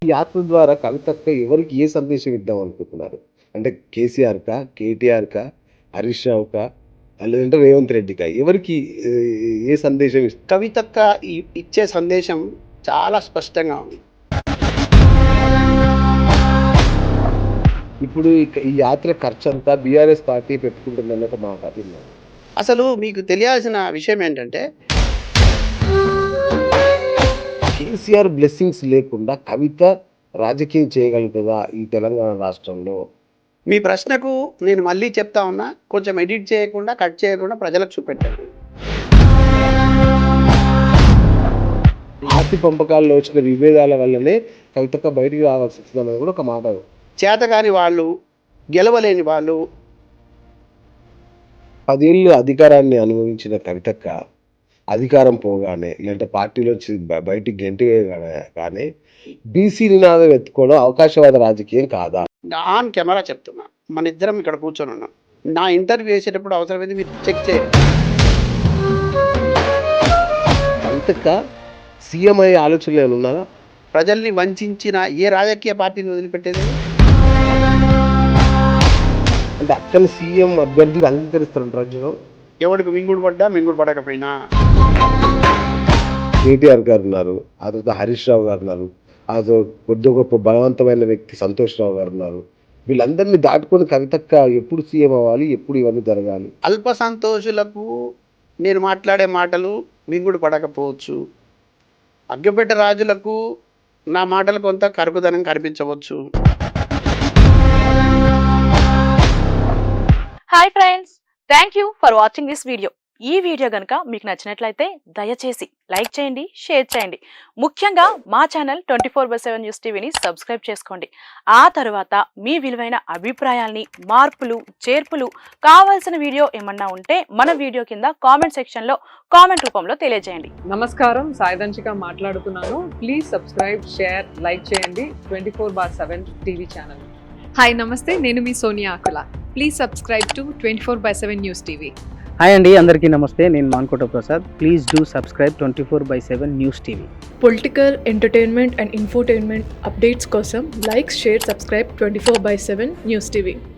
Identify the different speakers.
Speaker 1: ఈ యాత్ర ద్వారా కవితక్క ఎవరికి ఏ సందేశం ఇద్దాం అనుకుంటున్నారు? అంటే కేసీఆర్‌కా? కేటీఆర్‌కా? హరీష్ రావుకా? లేదంటే రేవంత్ రెడ్డికా? ఎవరికి ఏ సందేశం
Speaker 2: కవితక్క ఇచ్చే సందేశం చాలా స్పష్టంగా ఉంది.
Speaker 1: ఇప్పుడు ఈ యాత్ర ఖర్చంతా బీఆర్ఎస్ పార్టీ పెట్టుకుంటుందన్న ఒక మాట విన్నాను.
Speaker 2: అసలు మీకు తెలియాల్సిన విషయం ఏంటంటే
Speaker 1: కేసీఆర్ బ్లెస్సింగ్స్ లేకుండా కవిత రాజకీయం చేయగలుగుతదా ఈ తెలంగాణ రాష్ట్రంలో?
Speaker 2: మీ ప్రశ్నకు నేను మళ్ళీ చెప్తా ఉన్నా, కొంచెం ఎడిట్ చేయకుండా, కట్ చేయకుండా ప్రజలకు చూపెట్టండి.
Speaker 1: ఆస్తి పంపకాల్లో వచ్చిన విభేదాల వల్లనే కవితక్క బయటికి రావాల్సి వస్తుందన్నది కూడా ఒక మాట.
Speaker 2: చేతగాని వాళ్ళు, గెలవలేని వాళ్ళు.
Speaker 1: 10 ఏళ్ళు అధికారాన్ని అనుభవించిన కవితక్క అధికారం పోగానే లేదంటే పార్టీలోంచి బయటికి గెంటివేయగానే బీసీ నినాదం ఎత్తుకోవడం అవకాశవాద రాజకీయం కాదా?
Speaker 2: ఆన్ కెమెరా చెప్తున్నా, మన ఇద్దరం ఇక్కడ కూర్చొని ఉన్నాం. నా ఇంటర్వ్యూ చేసేటప్పుడు అవసరమైంది మీరు చెక్ చేయండి.
Speaker 1: కవితక్క సీఎం అయ్యే ఆలోచనలు ఏమైనా ఉన్నారా?
Speaker 2: ప్రజల్ని వంచిన ఏ రాజకీయ పార్టీని వదిలిపెట్టేది?
Speaker 1: అంటే అక్కని సీఎం అభ్యర్థిగా అంగీకరిస్తారు ప్రజలు.
Speaker 2: ఎవరికి మింగుడు పడ్డా మింగుడు పడకపోయినా.
Speaker 1: కేటీఆర్ గారు ఉన్నారు, ఆ తర్వాత హరీష్ రావు గారు ఉన్నారు, ఆ కొద్ది గొప్ప బలవంతమైన వ్యక్తి సంతోష్ రావు గారు ఉన్నారు. వీళ్ళందరినీ దాటుకొని కవితక్క ఎప్పుడు సీఎం అవ్వాలి, ఎప్పుడు ఇవన్నీ జరగాలి?
Speaker 2: అల్ప సంతోషులకు నేను మాట్లాడే మాటలు మింగుడు పడకపోవచ్చు. అగ్గపెట్ట రాజులకు నా మాటలు కొంత కరుకుదనం కనిపించవచ్చు.
Speaker 3: Hi friends, thank you for watching this video. ఈ వీడియో కనుక మీకు నచ్చినట్లయితే దయచేసి లైక్ చేయండి, షేర్ చేయండి. ముఖ్యంగా మా ఛానల్ 24/7 న్యూస్ టీవీని సబ్స్క్రైబ్ చేసుకోండి. ఆ తర్వాత మీ విలువైన అభిప్రాయాల్ని, మార్పులు, చేర్పులు, కావాల్సిన వీడియో ఏమన్నా ఉంటే మన వీడియో కింద కామెంట్ సెక్షన్లో కామెంట్ రూపంలో తెలియజేయండి.
Speaker 4: నమస్కారం, సాయిదంచిక మాట్లాడుతున్నాను. ప్లీజ్ సబ్స్క్రైబ్, షేర్, లైక్ చేయండి 24/7 టీవీ ఛానల్.
Speaker 5: హాయ్ నమస్తే, నేను మీ Sonia Akula. Please subscribe to 24/7 news TV.
Speaker 6: Hi అండి, అందరికీ నమస్తే. నేను Mankota Prasad. Please do subscribe 24/7 news TV.
Speaker 7: Political, entertainment and infotainment updates కోసం like, share, subscribe 24/7 news TV.